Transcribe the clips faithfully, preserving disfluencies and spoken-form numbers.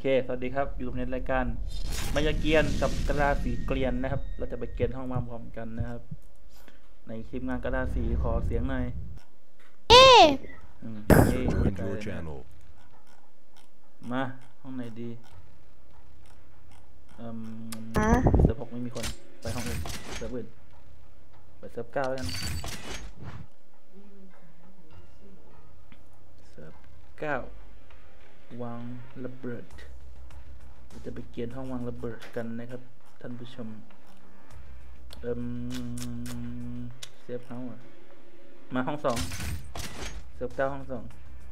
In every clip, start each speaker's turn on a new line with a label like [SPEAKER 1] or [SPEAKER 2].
[SPEAKER 1] สวัสดีครับอยู่ในรายการมายาเกียนกับกระดาสีเกลียนนะครับเราจะไปเกียนห้องมาพร้อมกันนะครับในคลิปงานกระดาสีขอเสียงหน่อย
[SPEAKER 2] เอ๊ะ
[SPEAKER 1] อืมเย่มาห้องไหนดีอืมเซิร์ฟหกไม่มีคนไปห้องอื่นเซิร์ฟอื่นไปเซิร์ฟเก้ากันเซิร์ฟเก้าวางระเบิดเราจะไปเกียนห้องวางระเบิดกันนะครับท่านผู้ชมเอิ่มเซฟเฮาส์มาห้องสองเซิร์ฟเก้าห้องสอง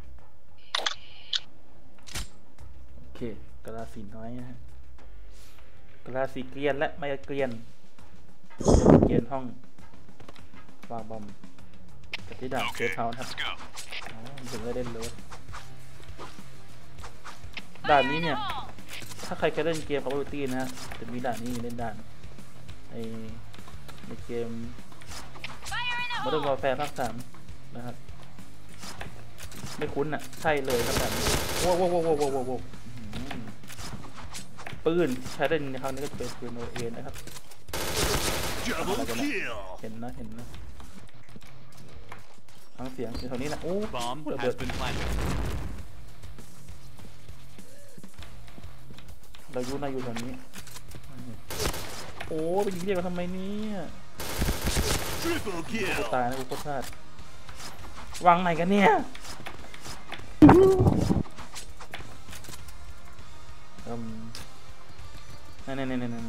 [SPEAKER 1] โอเคกระสีน้อยนะฮะกระสีเกลียนและไม่เกลียนเกลียนห้องวางบอมกับที่ด่านเซฟเฮาส์ครับอ๋อถึงได้เล่นเลยด่านนี้เนี่ยถ้าใครเคยเล่นเกม Call of Duty นะฮะจะมีด่านนี้เล่นด่านในในเกม Modern Warfare ภาคสามนะครับไม่คุ้นอ่ะใช่เลยครับแบบโว้โว้โว้โว้โว้โว้ปืนใช้เล่นในครั้งนี้ก็จะเป็นปืนโอเอนะครับเห็นนะเห็นนะฟังเสียงอยู่แถวนี้นะโอ้ระเบิดเราอยู่นะอยู่แถวนี้โอ้ไปยิงเรียกกันทำไมเนี่ยกูตายนะกูโคตรพลาดวางไหนกันเนี่ยอืมนั่นนั่นนั่นนั่น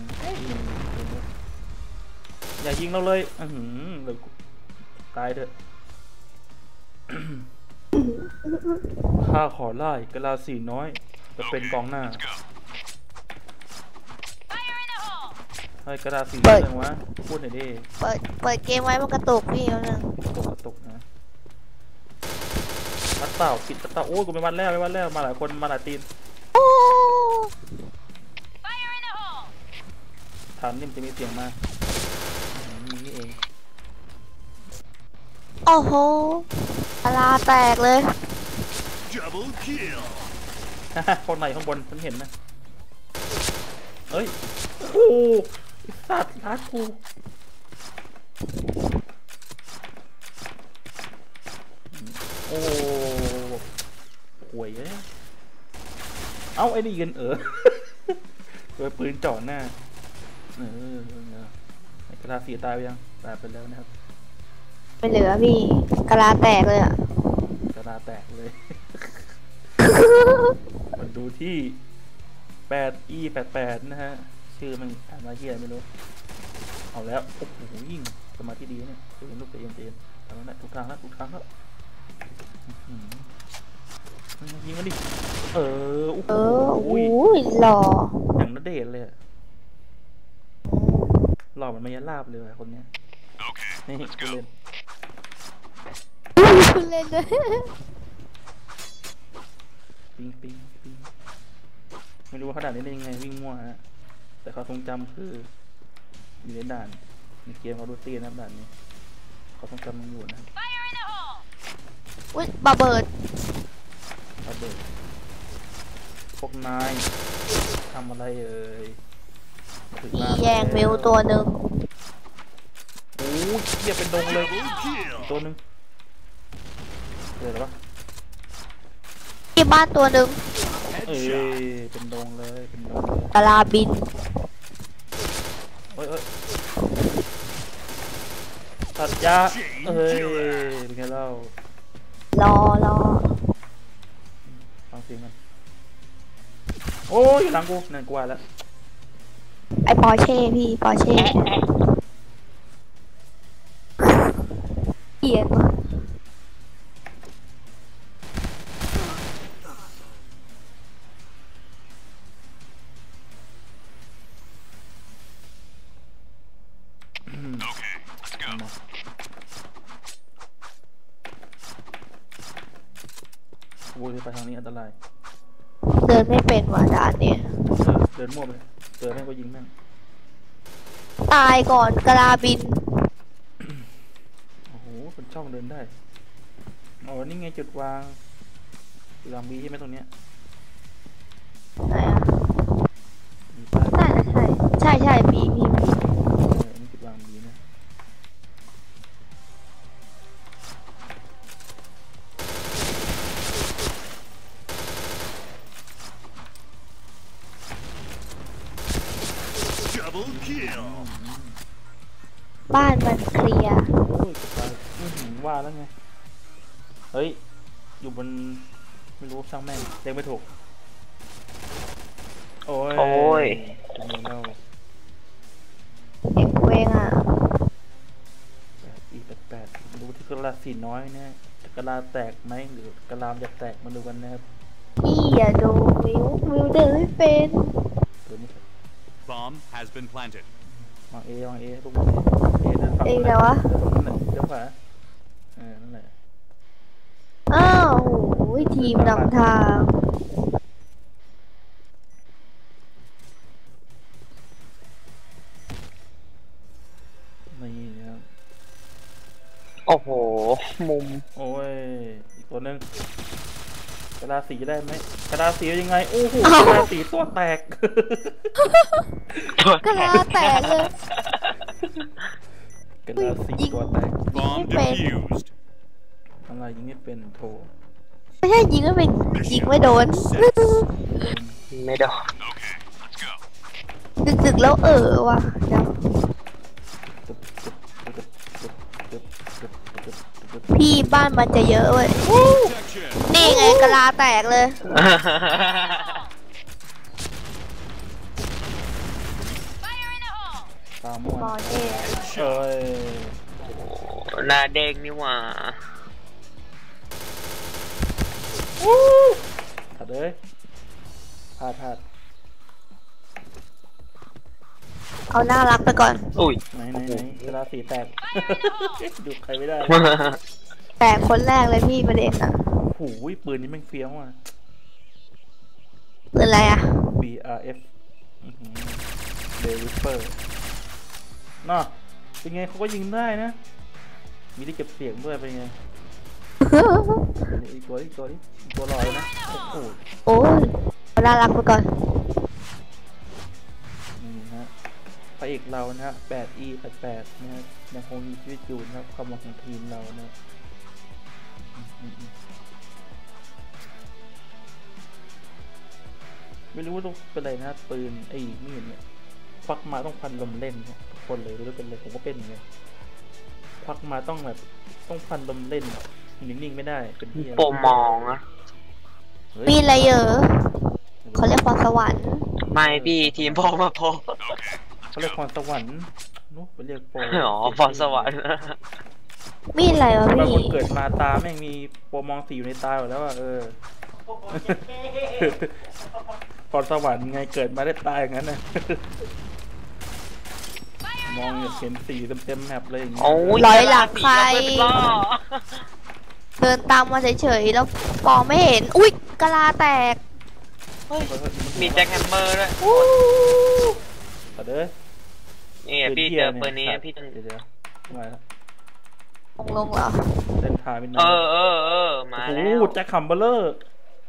[SPEAKER 1] อย่ายิงเราเลยอือหือเลยตายเถอะข้าขอไล่กะลาสีน้อยจะเป็นกองหน้าให้กระดาษสีอะไรวะพูดหน่อยดิ
[SPEAKER 2] เปิดเปิดเกมไว้มันกระตุกพี่แล้วนึง
[SPEAKER 1] กระตุกกระตุกนะวัดเต่าปิดเต่าโอ้ยกูไปวัดแล้วไปวัดแล้วมาหลายคนมาหลายทีมฐานนี่มันจะมีเสียงมานี่เอง
[SPEAKER 2] โอ้โหตาลาแตกเลย
[SPEAKER 1] คนไหนข้างบนฉันเห็นนะเฮ้ยโอ้สัตว์รัดกูโอ้ห่วยเลยเอ้าไอ้นี่กันเออโดยปืนจ่อหน้าเออไอ้กระดาษสีตายไปยังตายไปแล้วนะครับ
[SPEAKER 2] ไม่เหลือพี่กระลาแตกเลยอ่ะ
[SPEAKER 1] กระดาษแตกเลยมันดูที่แปด อี แปด แปดนะฮะชื่อมันอ่านมาเฮียไม่รู้เอาแล้วโอ้โหยิ่งสมาธิดีเนี่ยเย็นลูกเย็นเย็นทำแล้วทุกทางแล้วทุกทางแล้วยิงมันดิเออโอ้โห
[SPEAKER 2] หล่อ
[SPEAKER 1] อย่างนัดเดทเลยหล่อมันไม่ยันลาบเลยคนเนี้ยนี่คุณเล่น
[SPEAKER 2] คุณเล่นเลย
[SPEAKER 1] ปิงปิงปิงไม่รู้ว่าเขาด่านนี้ได้ยังไงวิ่งมั่วฮะแต่เขาทรงจำคืออยู่ในด่านในเกมเขาดูตีนะด่านนี้เขาทรงจำมันอยู่นะ
[SPEAKER 2] อุ้ยบาเบิร์ด
[SPEAKER 1] บาเบิร์ดพวกนายทำอะไรเอ่ย
[SPEAKER 2] มีแย่งเมลตัวหนึ่ง
[SPEAKER 1] โอ้ยเหี้ยเป็นดงเลยตัวหนึ่งเจอหรอปะ
[SPEAKER 2] ที่บ้านตัวหนึ่ง
[SPEAKER 1] เอ้ยเป็นดงเลยเป็นดง
[SPEAKER 2] กะลาบิน
[SPEAKER 1] เอ้ยเอ้ยตัดยาเอ้ยเป็นไงเล่าร
[SPEAKER 2] อรอ
[SPEAKER 1] ฟังเสียงกันโอ้ยอยู่หลังกูนั่นกูว่าแล้ว
[SPEAKER 2] ไอปอร์เช่พี่ปอร์เช่เกลียดว่ะ
[SPEAKER 1] โอ้ยไปทางนี้อันตราย
[SPEAKER 2] เดินไม่เป็นว่ะด่านเนี่ย
[SPEAKER 1] เดินมั่วไปเดินแม่งก็ยิงแม่ง
[SPEAKER 2] ตายก่อนกระลาบิน
[SPEAKER 1] โอ้โหเป็นช่องเดินได้อ๋อนี่ไงจุดวางจุดวางบีใช่ไหมตรงเนี้ย
[SPEAKER 2] ไหนอ่ะ
[SPEAKER 1] มีป้าย
[SPEAKER 2] น่าจะใช่ใช่ใช่มีมีมี
[SPEAKER 1] เอออันนี้จุดวางมีนะ
[SPEAKER 3] Double kill.
[SPEAKER 2] บ้านมันเคลียร์
[SPEAKER 1] โอ้ยจะตายอื้อหือว่าแล้วไงเฮ้ยอยู่บนไม่รู้ช่างแม่งเล็งไม่ถูกโอ้ย
[SPEAKER 4] โอ้ย
[SPEAKER 1] ตรงนี้เล่า
[SPEAKER 2] เด็กเวงอ่ะ
[SPEAKER 1] แปดอีแปดแปดดูที่กระลาสีน้อยเนี่ยจะกระลาแตกไหมหรือกระลามจะแตกมาดูกันนะครับ
[SPEAKER 2] พี่อย่าดูวิววิวเดินไม่เป็น
[SPEAKER 1] ตัวนี้
[SPEAKER 3] Bomb has been planted.
[SPEAKER 1] วางเอวางเอลูกวางเอเอเดินฝั่ง
[SPEAKER 2] เอง
[SPEAKER 1] นั้น
[SPEAKER 2] แล้ววะ
[SPEAKER 1] นั่นแหละเดี๋ยวขวาเออนั่นแหละ
[SPEAKER 2] อ้าวโอ้ยทีมนำทาง
[SPEAKER 1] นี่นะครับ
[SPEAKER 4] โอ้โห มุม
[SPEAKER 1] โอ้ยอีกตัวหนึงกระลาสีได้ไหมกระลาสียังไงโอ้โหกระลาสีตัวแตก
[SPEAKER 2] กระลาแตกเลย
[SPEAKER 1] กระลาสีตัวแตก
[SPEAKER 3] Bomb
[SPEAKER 2] Wait.
[SPEAKER 3] defused.
[SPEAKER 1] อะไรยิงไม่เป็นโถ
[SPEAKER 2] ไม่ใช่ยิงไม่เป็นยิงไม่โดน
[SPEAKER 4] ไม่โดน
[SPEAKER 3] Okay, let's go.
[SPEAKER 2] ดึกๆแล้วเออว่ะเดี๋ยว
[SPEAKER 1] ตึ๊บตึ๊บตึ๊บตึ๊บตึ๊บตึ๊บตึ๊บตึ๊บ
[SPEAKER 2] พี่บ้านมันจะเยอะเว้ย
[SPEAKER 3] Protection.
[SPEAKER 2] นี่ไงกระลาแตกเลย
[SPEAKER 1] ตาม่วน
[SPEAKER 2] บอลเอง
[SPEAKER 1] เอ้ย
[SPEAKER 4] หน้าเด้งนี่หว่า
[SPEAKER 1] ถัดเลยพลาดพลาด
[SPEAKER 2] เอาน่ารักไปก่อน
[SPEAKER 4] อุ้ย
[SPEAKER 1] ไหนไหนไหนกระลาสีแตก ดูใครไม่ได้
[SPEAKER 2] แตกคนแรกเลยพี่ประเด็นอ่ะ
[SPEAKER 1] โอ้โหปืนนี้แม่งเฟี้ยวอ่ะ
[SPEAKER 2] เป็นอะไรอ่ะ
[SPEAKER 1] B R F เดลิเปอร์น่ะเป็นไงเขาก็ยิงได้นะ มีที่เก็บเสียงด้วยเป็นไงอีกตัวอีกตัวนี้อีกตัวลอยนะโอ้โห
[SPEAKER 2] โอ้ยเอาน่ารักไปก่อน
[SPEAKER 1] นี่ฮะพระเอกเรานะฮะแปด E แปดแปดนะฮะยังคงมีชีวิตอยู่นะครับความหวังของทีมเรานะอืมอืมอืมไม่รู้ว่าต้องเป็นอะไรนะปืนไอ้มีดเนี่ยควักมาต้องพันลมเล่นเนี่ยทุกคนเลยไม่รู้เป็นเลยผมก็เป็นอย่างเงี้ยควักมาต้องแบบต้องพันลมเล่นนิ่งๆไม่ได้เป็นที่
[SPEAKER 4] โปรมองอะ
[SPEAKER 1] เฮ้ย
[SPEAKER 2] มีอะไรเยอะเขาเรียกพรสวรรค์
[SPEAKER 4] ไม่พี่ทีมโปรมาโปร
[SPEAKER 1] เขาเรียกพรสวรรค์นู้ไปเรียกโปร
[SPEAKER 4] อ๋อพรสวรรค์
[SPEAKER 2] มีอะไรวะ
[SPEAKER 1] บาง
[SPEAKER 2] พี่
[SPEAKER 1] คนเกิดมาตาแม่งมีโปรมองสีอยู่ในตาอยู่แล้วอ่ะเออ พรสวรรค์ไงเกิดมาได้ตายอย่างนั้นนะ มองเห็นสีเต็มๆแมปเลยอย่างเงี้ย
[SPEAKER 4] โอ้ย
[SPEAKER 2] ร้อยหลังใคร
[SPEAKER 4] เปิดล้อ
[SPEAKER 2] เดินตามมาเฉยๆแล้วมองไม่เห็น อุ๊ยกะลาแตก
[SPEAKER 4] เฮ้ยมีแจ็คแฮมเมอร์ด้วย
[SPEAKER 2] อู้
[SPEAKER 1] ต่อเด้อ
[SPEAKER 4] นี่อะพี่เจอปืนนี้พี่ต้อง
[SPEAKER 1] เดี๋ยวเดี๋ยวมาแล้ว
[SPEAKER 2] ลงลงเหรอ
[SPEAKER 1] เส้นทางเป็น
[SPEAKER 4] เออเออเออมา
[SPEAKER 1] โอ้
[SPEAKER 4] แล้
[SPEAKER 1] โห
[SPEAKER 4] ว
[SPEAKER 1] แจ็คคัมเบอร์เลอร์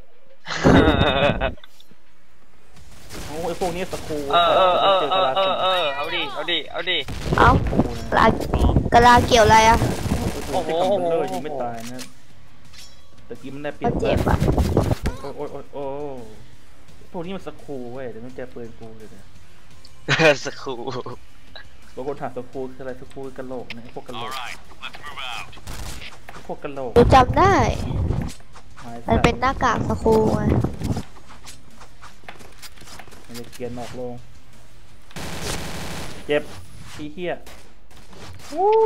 [SPEAKER 1] โอ้ไอพวกนี้สกรู
[SPEAKER 4] เออเออเออ
[SPEAKER 1] เจอ
[SPEAKER 4] เอก
[SPEAKER 1] ระ
[SPEAKER 4] อ
[SPEAKER 1] ลา
[SPEAKER 4] เอ
[SPEAKER 1] สี
[SPEAKER 4] อเออเอาดิเอาดิเอาดิ
[SPEAKER 2] เอ้า
[SPEAKER 1] โอ้โห
[SPEAKER 2] กะลากะลาเกี่ยวอะไรอ่ะ
[SPEAKER 1] โอ้โหแจ็คคัมเบอร์เลอร์ยิงไม่ตายนะตะกี้มันได้เปรีย
[SPEAKER 2] ก็
[SPEAKER 1] บ
[SPEAKER 2] เจ็บอ่ะ
[SPEAKER 1] โอ้โอ้โอ้โอ้พวกนี้มันสกรูเว้ยเดี๋ยวมันเจอปืนกูเลยเนี่ย
[SPEAKER 4] สกครู
[SPEAKER 1] บางคนถามสกรูคืออะไรสกรูคือกระโหลกนะไอ้พวกกระโหล
[SPEAKER 3] All
[SPEAKER 1] ก
[SPEAKER 3] right, let's move out.
[SPEAKER 1] พวกกระโหลก
[SPEAKER 2] ดูจำได้
[SPEAKER 1] ไม้สั
[SPEAKER 2] มัน
[SPEAKER 1] ตว์
[SPEAKER 2] เป็นหน้ากากสครูไง
[SPEAKER 1] มันจะเกียนออกลงเจ็บอีเหี้ยวู้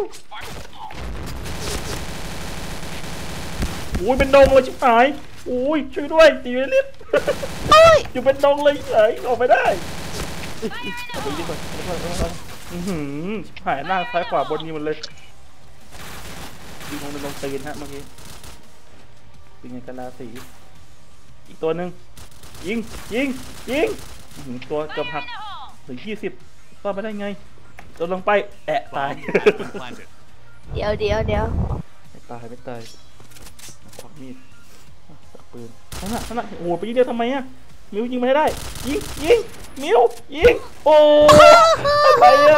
[SPEAKER 1] โอ้ยเป็นดงเลยชิบหายโอ้ยช่วยด้วยตีเวลิส
[SPEAKER 2] โอ้ย
[SPEAKER 1] อยู่เป็นดงเลยเฉยออกไม่ได้เอาไปดีกว่าเอาไปดีกว่าอือหือชิบหายหน้าซ้ายขวาบนนี้หมันเลยยิงลงเป็นลงตีนฮะเมื่อกี้เป็นไงกันลาสีอีกตัวหนึ่งยิงยิงยิงอื้อหือตัวเกือบหักถึงยี่สิบรอดไปได้ไงตัวลงไปแอะตาย
[SPEAKER 3] Bomb has been planted.
[SPEAKER 2] เดี๋ยวเดี๋ยวเดี๋ยว
[SPEAKER 1] ไม่ตายไม่ตายควักมีดจับปืนนั่นน่ะนั่นน่ะโอ้โหไปยิงเดียวทำไมอ่ะมิวยิงไม่ได้ยิงยิงมิวยิงโอ้อะไรอะ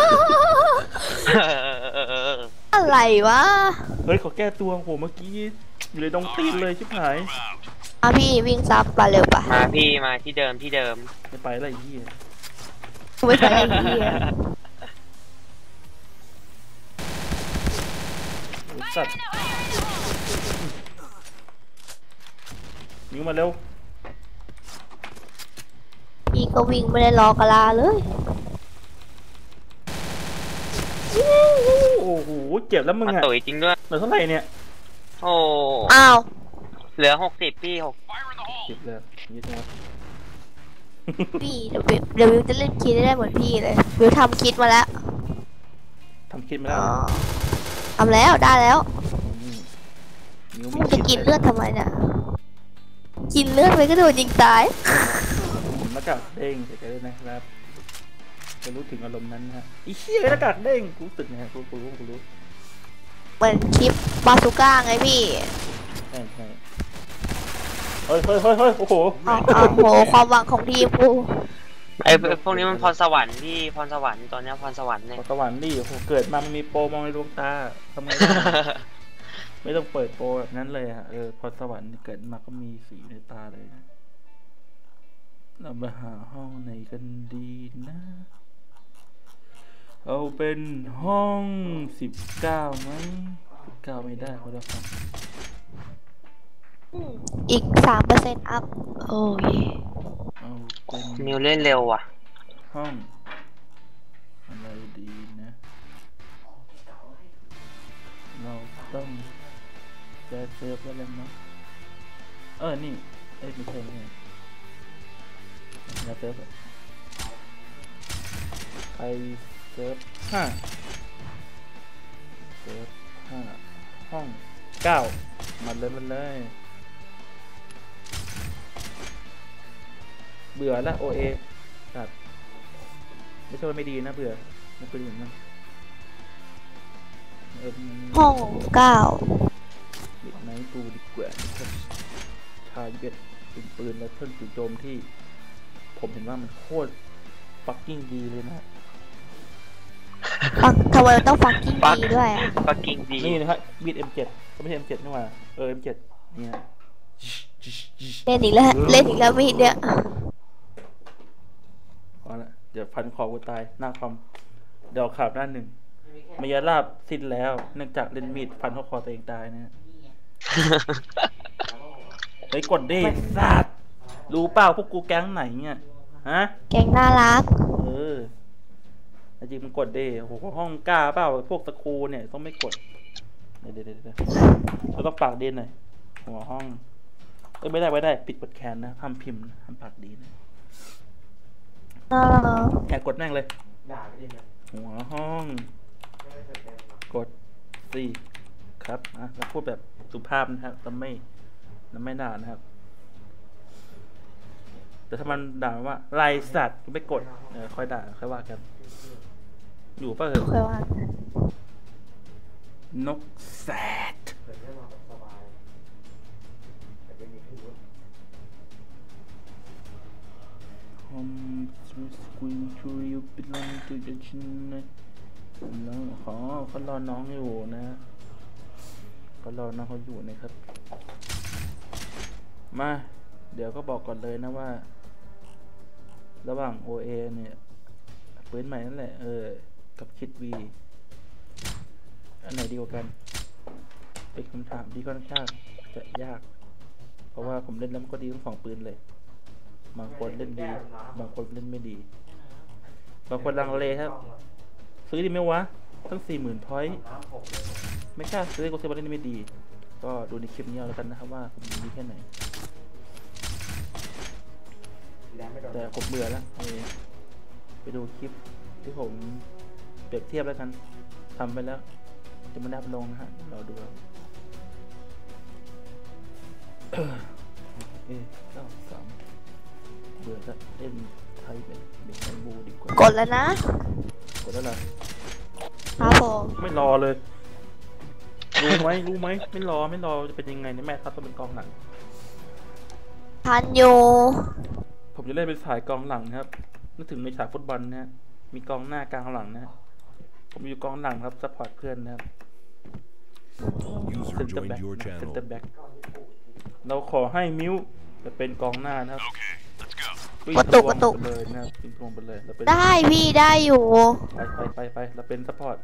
[SPEAKER 2] อะไรวะ
[SPEAKER 1] เฮ้ยขอแก้ตัวโหเมื่อกี้อยู่เลยดงตีนเลยชิบหาย
[SPEAKER 2] อ่ะพี่วิ่งซับไปเร็วปะ
[SPEAKER 4] มาพี่มาที่เดิมที่เดิม
[SPEAKER 1] ไม่ไปอะไรยี่
[SPEAKER 2] ไม่ใช่ไอ้เหี้ย
[SPEAKER 1] สัตว์มิวมาเร็ว
[SPEAKER 2] พี่ก็วิ่งไม่ได้รอกะลาเลย
[SPEAKER 1] โอ้โหเจ็บแล้วมึง
[SPEAKER 4] มา
[SPEAKER 1] อะ
[SPEAKER 4] ตุ๋ยจริงด้วย
[SPEAKER 1] เหลือเท่าไหร่เนี่ย
[SPEAKER 4] โอ้
[SPEAKER 2] อ้าว
[SPEAKER 4] เหลือหกสิบพี่หก
[SPEAKER 1] เจ็บแล้วยี่สิบ
[SPEAKER 2] พี่เดี๋ยววิวเดี๋ยววิวจะเล่นคิดได้เหมือนพี่เลยวิวทำคิดมาแล้ว
[SPEAKER 1] ทำคิดไม่ได้
[SPEAKER 2] อ๋อทำแล้วได้แล้ว
[SPEAKER 1] มิว
[SPEAKER 2] มึ
[SPEAKER 1] ไม่
[SPEAKER 2] งจะ
[SPEAKER 1] คิด
[SPEAKER 2] กินเลือดทำไมเนี่ยกินเลือดไปก็โดนยิงตาย
[SPEAKER 1] หน้ากากเด้งเฉยๆเลยนะครับจะรู้ถึงอารมณ์นั้นนะฮะอีเหี้ยหน้ากากเด้งกูรู้สึกไงกูกูรู้กูรู้
[SPEAKER 2] เหมือนคลิปบาซูก้าไงพี่
[SPEAKER 1] ใช่ใช่เฮ้ยเฮ้ยเฮ้ยเฮ้ยโอ้โห
[SPEAKER 2] อ้าวอ้าวโหความหวังของทีมกู
[SPEAKER 4] ไอ้พวกนี้มันพรสวรรค์พี่พรสวรรค์ตอนนี้พรสวรรค์เนี่ย
[SPEAKER 1] พอสวรรค์นี่โอ้โหเกิดมามันมีโปรมองในดวงตาทำไงได้ ไม่ต้องเปิดโปรแบบนั้นเลยอะเออพอสวรรค์เกิดมาก็มีสีในตาเลยนะเรามาหาห้องไหนกันดีนะ เอาเป็นห้องสิบเก้าไหมสิบเก้าไม่ได้เขาจะฟัง
[SPEAKER 2] อีกสามเปอร์เซ็นต์อัพโอ้ย
[SPEAKER 1] เอาเป็น
[SPEAKER 4] มิวเล่นเร็วว่ะ
[SPEAKER 1] ห้องอะไรดีนะ เราต้องแก้เซิร์ฟแล้วแหละเนาะเออนี่เอ้ยไม่ใช่ไม่ใช่แก้เซิร์ฟอะไปเซิร์ฟห้าเซิร์ฟห้าห้องเก้ามาเลยมันเลยเบื่อละโอเอตัดไม่ใช่ว่าไม่ดีนะเบื่อไม่เป็นอย่างนั้นเออ
[SPEAKER 2] ห้องเก้า
[SPEAKER 1] บิดไนท์ตูดีกว่านะครับชาเบ็ดเป็นปืนและเครื่องจู่โจมที่ ผมเห็นว่ามันโคตรฟักกิ้งดีเลยนะ
[SPEAKER 2] ฟังทำไมมันต้องฟังกิ้งดีด้วยอะ
[SPEAKER 4] ปักกิ่งดี
[SPEAKER 1] นี่นะครับบีด เอ็ม เจ็ด ก็ไม่ใช่ เอ็ม เจ็ด นี่หว่าเออ เอ็ม เจ็ด เนี่ย
[SPEAKER 2] เล่นอีกแล้วเล่นอีกแล้วมีดเนี่ย
[SPEAKER 1] เอาละเดี๋ยวพันคอกูตายหน้าคอมเดี๋ยวข่าวหน้าหนึ่งมายาลาบสิ้นแล้วเนื่องจากเล่นมีดฟันเข้าคอตัวเองตายนะฮะ เฮ้ยกดดิสัตว์รู้เปล่าพวกกูแก๊งไหนเนี่ยฮะ
[SPEAKER 2] แกงน่ารัก
[SPEAKER 1] เออจริงมันกดดิโอ้โหห้องกล้าเปล่าพวกตะครูเนี่ยต้องไม่กดเดี๋ยวเดี๋ยวเดี๋ยวเราต้องปากดีหน่อยหัวห้องเอ้ยไม่ได้ไม่ได้ปิดกดแคนนะห้ามพิมพ์นะห้ามปากดีนะ
[SPEAKER 2] เออ
[SPEAKER 1] แอบกดแม่งเลยหัวห้องกดสี่ครับอ่ะแล้วพูดแบบสุภาพนะครับแต่ไม่แล้วไม่ด่านะครับแต่ถ้ามันด่าว่าไรสัตว์ก็ไม่กดเออค่อยด่าค่อยว่ากันอยู่ป่ะเหรอ
[SPEAKER 2] เคยว่าน
[SPEAKER 1] กแสดฮอมสกุลชูริวปิลันตุจชินนะน้องขอเขารอน้องอยู่นะเขารอน้องเขาอยู่นะครับมาเดี๋ยวก็บอกก่อนเลยนะว่าระหว่าง โอ เอ เนี่ยปืนใหม่นั่นแหละเออกับคิดวีอันไหนดีกว่ากันเป็นคำถามที่ค่อนข้างจะยากเพราะว่าผมเล่นแล้วมันก็ดีทั้งสองปืนเลยบางคนเล่นดีบางคนเล่นไม่ดีบางคนลังเลครับซื้อดีไหมวะตั้งสี่หมื่นพอยต์ไม่กล้าซื้อก็ซื้อมาเล่นไม่ดีก็ดูในคลิปนี้เอาแล้วกันนะครับว่าผมดีแค่ไหนแต่ผมเบื่อแล้วไปดูคลิปที่ผมเปรียบเทียบแล้วกันทำไปแล้วจะไม่ได้ลงนะฮะเราดูเอาเอเก้าสามเบื่อจะเล่นไทยเป็นเด็กไทยบูดีกว่าก
[SPEAKER 2] ดแล้วนะ
[SPEAKER 1] กดแล้วล่ะ
[SPEAKER 2] ครับผม
[SPEAKER 1] ไม่รอเลยรู้ไหมรู้ไหมไม่รอไม่รอจะเป็นยังไงเนี่ยแม่ครับต้องเป็นกองหลัง
[SPEAKER 2] ทันอยู่
[SPEAKER 1] ผมจะเล่นเป็นสายกองหลังนะครับนึกถึงในฉากฟุตบอลนะฮะมีกองหน้ากลางหลังนะฮะผมอยู่กองหลังครับซัพพอร์ตเพื่อนนะครับ
[SPEAKER 5] User
[SPEAKER 1] เซนเตอร์
[SPEAKER 5] joined
[SPEAKER 1] แบ็ก
[SPEAKER 5] your
[SPEAKER 1] เซน
[SPEAKER 5] channel.
[SPEAKER 1] เตอร์แบ็กเราขอให้มิวจะเป็นกองหน้านะครับ
[SPEAKER 3] Okay, let's go.
[SPEAKER 1] วิ่ง
[SPEAKER 2] กระตุก
[SPEAKER 1] ทวง
[SPEAKER 2] กระตุก
[SPEAKER 1] ไปเลยนะครับวิ่งทวงไปเลยเราเป็น
[SPEAKER 2] ได้พี่ได้อยู่
[SPEAKER 1] ไปไปไปไปเราเป็นซัพพอร์ต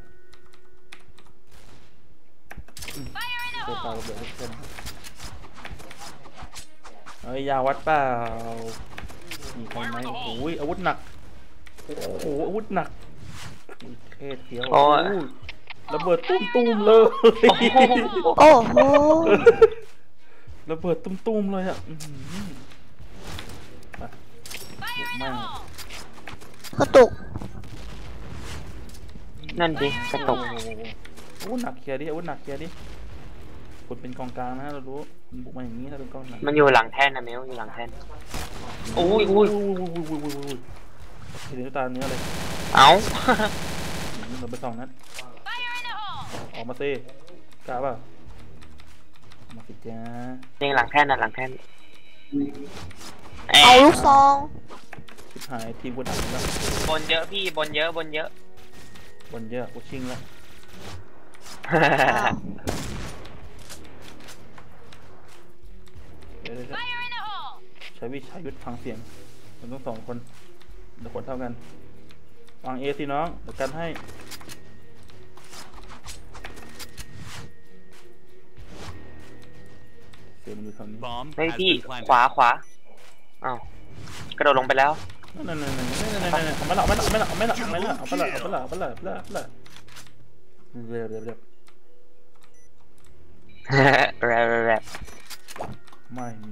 [SPEAKER 1] อืมเจอปลาระเบิดเพื่อนครับเอ้ยยาวัดเปล่ามีใครไหมโอ้ยอาวุธหนักโอ้โหอาวุธหนักเทศเสียว
[SPEAKER 4] โอ้ย
[SPEAKER 1] โอ้ยระเบิดตุ้มตุ้มๆเลย
[SPEAKER 2] โอ้โห
[SPEAKER 1] ระเบิดตุ้มตุ้มๆเลยอ่ะอื้อหือไปบุกแม่ง
[SPEAKER 2] กระตุก
[SPEAKER 4] นั่นดิกระตุก
[SPEAKER 1] โอ้โหอาวุธหนักเคลียร์ดิอาวุธหนักเคลียร์ดิคุณเป็นกองกลางนะเรารู้คุณบุกมาอย่างนี้ถ้าเป็นกองหลัง
[SPEAKER 4] มันอยู่หลังแท่นนะเมลอยู่หลังแท่นอุ้ยอุ้ย
[SPEAKER 1] อุ้ยอุ้ยอุ้ยอุ้ยอุ้ยเห็นตาเนื้อเลย
[SPEAKER 4] เอ้า
[SPEAKER 1] เราไปสองนัดออกมาสิกล้าเปล่ามาสิจ้า
[SPEAKER 4] ยิงหลังแท่นน่ะหลังแท่น
[SPEAKER 2] เอาลูกซอง
[SPEAKER 1] ชิบหายทีมกูหนักแล้ว
[SPEAKER 4] บนเยอะพี่บนเยอะบนเยอะ
[SPEAKER 1] บนเยอะกูชิงแล้วเดี๋ยวเดี๋ยวเดี๋ยวใช้วิชายุทธฟังเสียงมันต้องสองคนเดี๋ยวคนเท่ากันวางเอสิน้องเดี๋ยวกันให้เสียงมันอยู่แถวนี้
[SPEAKER 3] Bomb
[SPEAKER 4] เฮ้ย
[SPEAKER 3] has
[SPEAKER 4] พี่
[SPEAKER 3] been
[SPEAKER 4] ข
[SPEAKER 3] planted.
[SPEAKER 4] วาขวาอ้าวกระโดดลงไปแล้ว
[SPEAKER 1] นั่นนั่นนั่นนั่นนั่นนั่นนั่นเอาไม่ละเอาไม่ละเอาไม่ละเอาไม่ละเอาไม่ละเอาไม่ละเอาไม่ละเอาไม่ละเอาไม่ละเรียบเรียบเรียบ
[SPEAKER 4] แรบแรบ
[SPEAKER 1] ไม่มี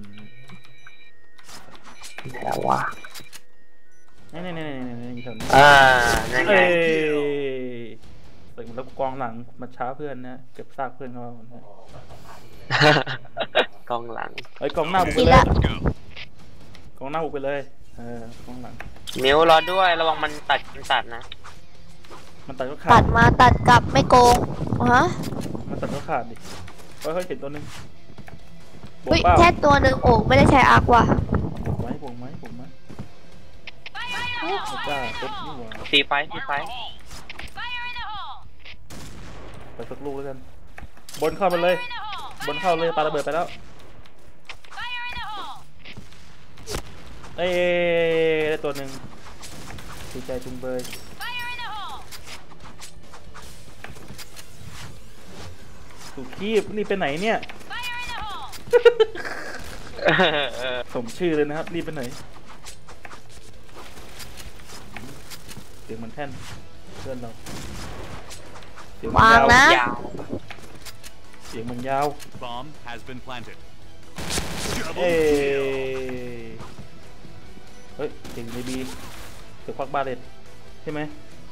[SPEAKER 4] แล้ววะ
[SPEAKER 1] นี่นี่นี่นี่นี่อยู่แถวนี้
[SPEAKER 4] อ่านั่นไง
[SPEAKER 1] เอ้ยเปิดแล้วกองหลังมาช้าเพื่อนนะเก็บซากเพื่อนเขานะ
[SPEAKER 4] กองหลัง
[SPEAKER 1] เอ้ยกองหน้าบุกไป
[SPEAKER 2] กิน
[SPEAKER 1] เลย
[SPEAKER 2] ละ
[SPEAKER 1] กองหน้าบุกไปเลยเออกองหลัง
[SPEAKER 4] มิวรอด้วยระวังมันตัดมันตัดนะ
[SPEAKER 1] มันตัดก็ขา
[SPEAKER 2] ตั
[SPEAKER 1] ด
[SPEAKER 2] ดมาตัดกลับไม่โกงฮะ
[SPEAKER 1] มันตัดก็ขาดดิเฮ้ยเฮ้ยเห็นตัวนึงบวก
[SPEAKER 2] เฮ้ย
[SPEAKER 1] เปล่า
[SPEAKER 2] แค่ตัวหนึ่งโอ้ไม่ได้ใช้อาร์กว่ะ
[SPEAKER 1] บวกไหมบวกไหมบวกไหมโอ้จ้าตุ๊บนี่หว่า
[SPEAKER 4] ตีไฟตีไฟ
[SPEAKER 1] ไปสักลูกแล้วกันบนเข้าไปเลยบนเข้าเลยปาระเบิดไปแล้วเอ้ยได้ตัวหนึ่งดีใจจุงเบยถูกคีบรีบไปไหนเนี่ย สมชื่อเลยนะครับรีบไปไหนเสียงเหมือนแท่นเพื่อนเราเสียงมัน
[SPEAKER 2] วาง
[SPEAKER 1] ยาว
[SPEAKER 2] นะ
[SPEAKER 4] ยาว
[SPEAKER 1] เสียงมันยาว
[SPEAKER 3] Bomb has been planted.
[SPEAKER 1] เอ้ยเฮ้ยเสียงในบีเสียงควักบาเลตใช่ไหม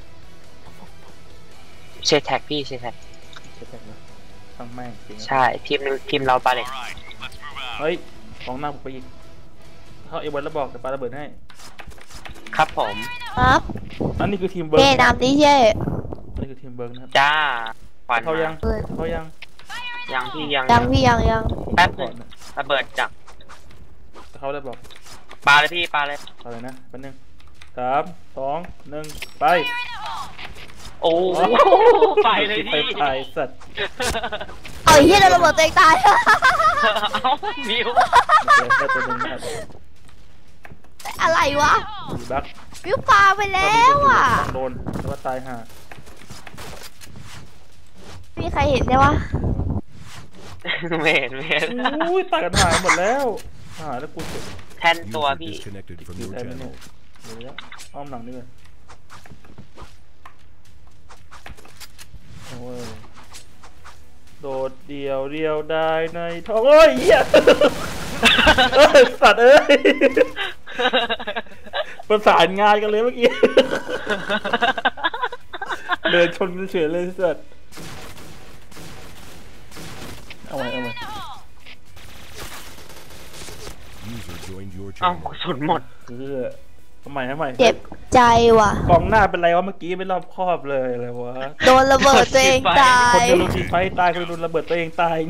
[SPEAKER 4] เชแท็กพี่เชแท็ก
[SPEAKER 1] ใช่ไหมทั้งแม่งเสียง
[SPEAKER 4] ใช่ทีมนึงทีมเราบาเลต
[SPEAKER 3] All right, let's move out.
[SPEAKER 1] เฮ้ยของหน้าผมไปอีกเข้าเอวันแล้วบอกเดี๋ยวปาระเบิดให้
[SPEAKER 4] ครับผม
[SPEAKER 2] ครับ
[SPEAKER 1] อันนี้คือทีมเบิร์
[SPEAKER 2] เย่
[SPEAKER 1] ก
[SPEAKER 2] นำดิเย่
[SPEAKER 1] อันนี้คือทีมเบิร์กนะครับ
[SPEAKER 4] จ้าควัน
[SPEAKER 1] เขายัง
[SPEAKER 2] เออ
[SPEAKER 1] เขายัง
[SPEAKER 4] ยังพี่ยัง
[SPEAKER 2] ยังพี่ยังยัง
[SPEAKER 4] แป๊บนึ
[SPEAKER 1] ก่อง นนะ
[SPEAKER 4] ระเบิดจาก
[SPEAKER 1] เขาได้บอก
[SPEAKER 4] ปลาเลยพี่ปลาเลย
[SPEAKER 1] เอาเลยนะแป๊บนึงสามสองหนึ่งไป
[SPEAKER 4] โอ้ไปเลย
[SPEAKER 1] ไป
[SPEAKER 4] พี่
[SPEAKER 1] ถ่ายสัตว์
[SPEAKER 2] เอาไอ้เหี้ยเราระเบิดตัวเองตาย
[SPEAKER 4] เอ้ามิว
[SPEAKER 1] ได้ตัวหนึ่งนะครับ
[SPEAKER 2] อะไรวะ
[SPEAKER 1] มีบั๊ก
[SPEAKER 2] วิวปลาไปแล้วอ่ะ
[SPEAKER 1] ต้องโดนแล้วว่าตายห่า
[SPEAKER 2] มีใครเห็นได้วะ
[SPEAKER 4] ไม่เห็นไม่เห็น
[SPEAKER 1] อุ้ยตายกันหายหมดแล้วหายแล้วกูเจ็บ
[SPEAKER 4] แท่นตัว
[SPEAKER 5] User
[SPEAKER 4] พี่
[SPEAKER 5] disconnected from
[SPEAKER 1] อยู่
[SPEAKER 5] your
[SPEAKER 1] แทนไม่เนี่ย
[SPEAKER 5] channel.
[SPEAKER 1] เดี๋ยวนะอ้อมหลังนี่เลยโอ้ยโดดเดียวเดียวได้ในท้องโอ้ยเหี้ยเอ้ยสัตว์เอ้ยประสานงานกันเลยเมื่อกี้ เดินชนกันเฉยเลยสัตว์เอาไว้เอาไว้
[SPEAKER 5] User joined your
[SPEAKER 4] เอ้า
[SPEAKER 5] channel.
[SPEAKER 4] กระสุนหมด
[SPEAKER 1] คือทำไมทำไม
[SPEAKER 2] เจ็บใจว่ะ
[SPEAKER 1] กองหน้าเป็นไรวะเมื่อกี้ไม่รอบคอบเลยอะไรวะ
[SPEAKER 2] โดนระเบิดตัวเองตา
[SPEAKER 1] คน
[SPEAKER 2] ย
[SPEAKER 1] เดียวโดนยิงไฟตายคนเดียวโดนระเบิดตัวเองตาย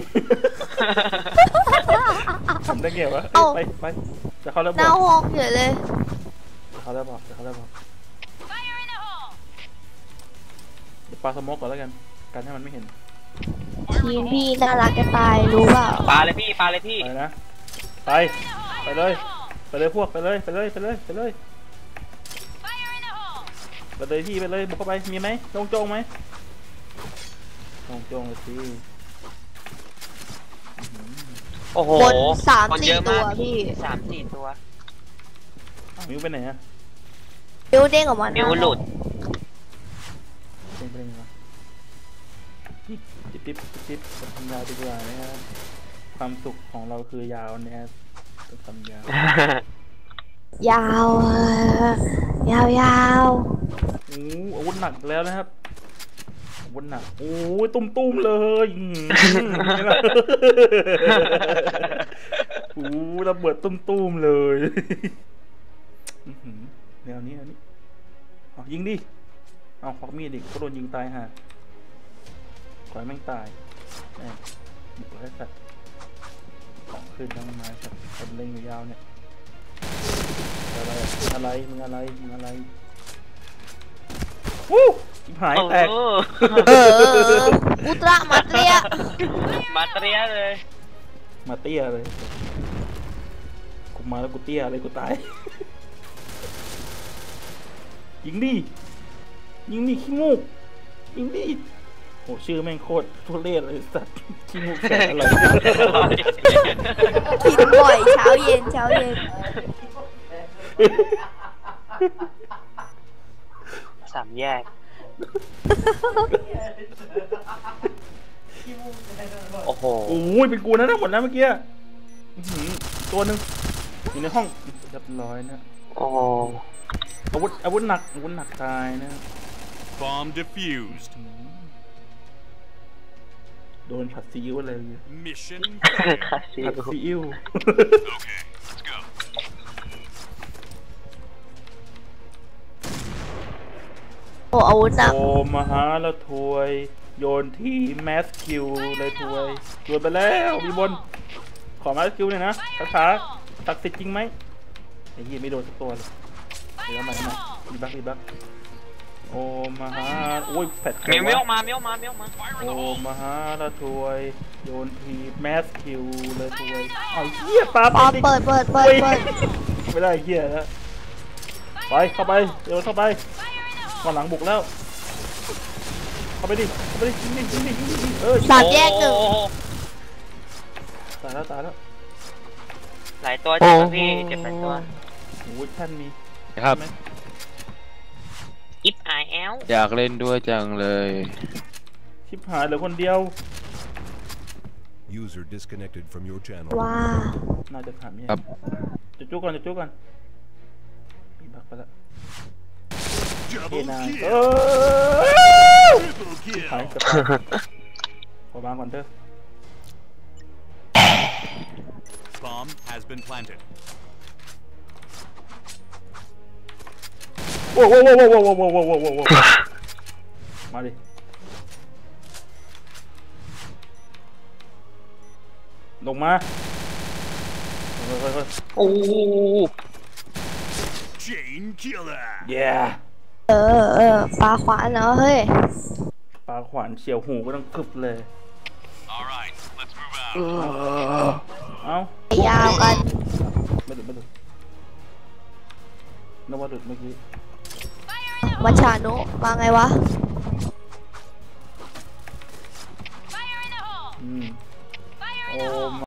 [SPEAKER 1] ทำได้ไงวะเอ้ยไปไปจะเข้าแล้ว
[SPEAKER 2] ห
[SPEAKER 1] บอ
[SPEAKER 2] น้าก ห้องเฉยเลย
[SPEAKER 1] จะเข้าแล้วบอกจะเข้าแล้วบอกเดี๋ยวปาสโมกก่อนแล้วกันกันให้มันไม่เห็น
[SPEAKER 2] ทีมพี่น่ารักจะตายรู้เปล่า
[SPEAKER 4] ปลาเลยพี่ปลาเลยพี่
[SPEAKER 1] ไปนะไปไปเลยไปเลยพวกไปเลยไปเลยไปเลยไปเลยไปเลยพี่ไปเลยบุกเข้าไปมีไหมโจงโจงไหมโจงโจงเลยสิ
[SPEAKER 4] โอ้โห
[SPEAKER 2] บนสาม
[SPEAKER 4] คน
[SPEAKER 2] สี่
[SPEAKER 4] เยอะ
[SPEAKER 2] ตัว
[SPEAKER 4] มาก
[SPEAKER 2] พี่
[SPEAKER 4] สามสี่ตัว
[SPEAKER 1] อ้าวมิวไปไหนอะ
[SPEAKER 2] มิวเด้งออกมา
[SPEAKER 4] มิวหลุด
[SPEAKER 1] เป็นไปได้ไงวะจิ๊บจิ๊บจิ๊บจิ๊บทำยาวดีกว่านะครับความสุขของเราคือยาวนะครับต้องทำยาว
[SPEAKER 2] ยาวเออยาวยาว
[SPEAKER 1] โอ้อาวุธหนักแล้วนะครับอาวุธหนักโอ้ยตุ้มตุ้มๆเลยอืมนี่ล่ะโอ้ระเบิดตุ้มตุ้มๆเลยอื้อหือแนวนี้แนวนี้เอายิงดิเอาควักมีดดิก็โดนยิงตายห่าขอให้แม่งตายแม่งบุกให้สัตว์ของขึ้นทั้งไม้สัตว์คนเล่นอยู่ยาวเนี่ยอะไรอะไรมึงอะไรมึงอะไรวู้ชิบหายแตก
[SPEAKER 4] โอ้
[SPEAKER 2] เอออุตรามาเตรีย
[SPEAKER 4] มาเตรียเลย
[SPEAKER 1] มาเตี้ยเลยกูมาแล้วกูเตี้ยเลยกูตายยิงดิยิงดิขี้มูกยิงดิโหชื่อแม่งโคตรทุเรศเลยสัตว์ขี้มูกแสนอร่อย
[SPEAKER 2] กินบ่อยเช้าเย็นเช้าเย็น
[SPEAKER 4] สามแยก โอ้โห
[SPEAKER 1] โอ้ยเป็นกูนะทั้งหมดนะเมื่อกี้อื้อหือตัวหนึ่งอยู่ในห้องเรียบร้อยนะ
[SPEAKER 4] โอ้โห
[SPEAKER 1] อาวุธอาวุธหนักอาวุธหนักตายนะ
[SPEAKER 3] Bomb defused.
[SPEAKER 1] โดนผัดซีอิ๊วอะไรเลย
[SPEAKER 3] Mission
[SPEAKER 4] คาซิ
[SPEAKER 1] ผัดซีอิ๊ว
[SPEAKER 3] Okay, let's go.
[SPEAKER 2] โอ้อาวุธหนัก
[SPEAKER 1] โอมาหาแล้วถวยโยนที่แมสคิวเลยถวยโยนไปแล้วมีบนขอแมสคิวหน่อยนะคาถาตักดิ์สิทธิ์จริงไหมไอ้ยี่ไม่โดนสักตัวเลยเดี๋ยวมาทำไมรีบักรีบักโอมาหาโอ้ยแฟด
[SPEAKER 4] มิวมิวออกมามิวออกมามิวออกมา
[SPEAKER 1] โอมาหาแล้วถวยโยนทีแมสคิวเลยถวยเอาเหี้ยปลา
[SPEAKER 2] ปอ
[SPEAKER 1] ดิ
[SPEAKER 2] เปิดเปิดเปิดเปิด
[SPEAKER 1] ไม่ได้เหี้ยแล้วไปเข้าไปเดี๋ยวเข้าไปก่อนหลังบุกแล้วเข้าไปดิเข้าไปดิยิงดิยิงดิยิงดิเออ
[SPEAKER 2] สามแยกหนึ่ง
[SPEAKER 4] โอ้โ
[SPEAKER 1] ตายแล้วตายแล้ว
[SPEAKER 4] หลายตัวเจ็บพี่เจ็บหลายตัว
[SPEAKER 1] โอ้ยท่านมี
[SPEAKER 5] ครับ
[SPEAKER 1] ใช่ไหม
[SPEAKER 4] อิฟไอแอล
[SPEAKER 5] อยากเล่นด้วยจังเลย
[SPEAKER 1] ชิบหายเหลือคนเดียว
[SPEAKER 6] User disconnected from your channel.
[SPEAKER 2] ว้า
[SPEAKER 1] น่าจะถามเนี่ย
[SPEAKER 5] ครับ
[SPEAKER 1] จะจุกก่อนจะจุกก่อนมีบักไปแล้วเฮ้
[SPEAKER 3] Double
[SPEAKER 1] นาย
[SPEAKER 3] kill.
[SPEAKER 1] เออ
[SPEAKER 3] Triple
[SPEAKER 1] หาย
[SPEAKER 3] kill.
[SPEAKER 1] เกับขอบางก่อนเถอะ
[SPEAKER 3] Bomb has been planted.
[SPEAKER 1] โว้วโว้วโว้วโว้วโว้วโว้วโว้วโว้วโว้วโว้วมาดิลงมาเฮ้ยเฮ้ยเฮ้ย
[SPEAKER 4] โอ้
[SPEAKER 3] Chain killer.
[SPEAKER 1] เย้
[SPEAKER 2] เออเออปลาขวานเนาะเฮ้ย
[SPEAKER 1] ปลาขวานเฉียวหูก็ต้องกึบเลย
[SPEAKER 3] All right, let's move out.
[SPEAKER 1] เอ้า
[SPEAKER 2] ยาวกัน
[SPEAKER 1] ไม่หลุดไม่หลุดนึกว่าหลุดเมื่อกี้
[SPEAKER 2] มัชชานุมาไงวะ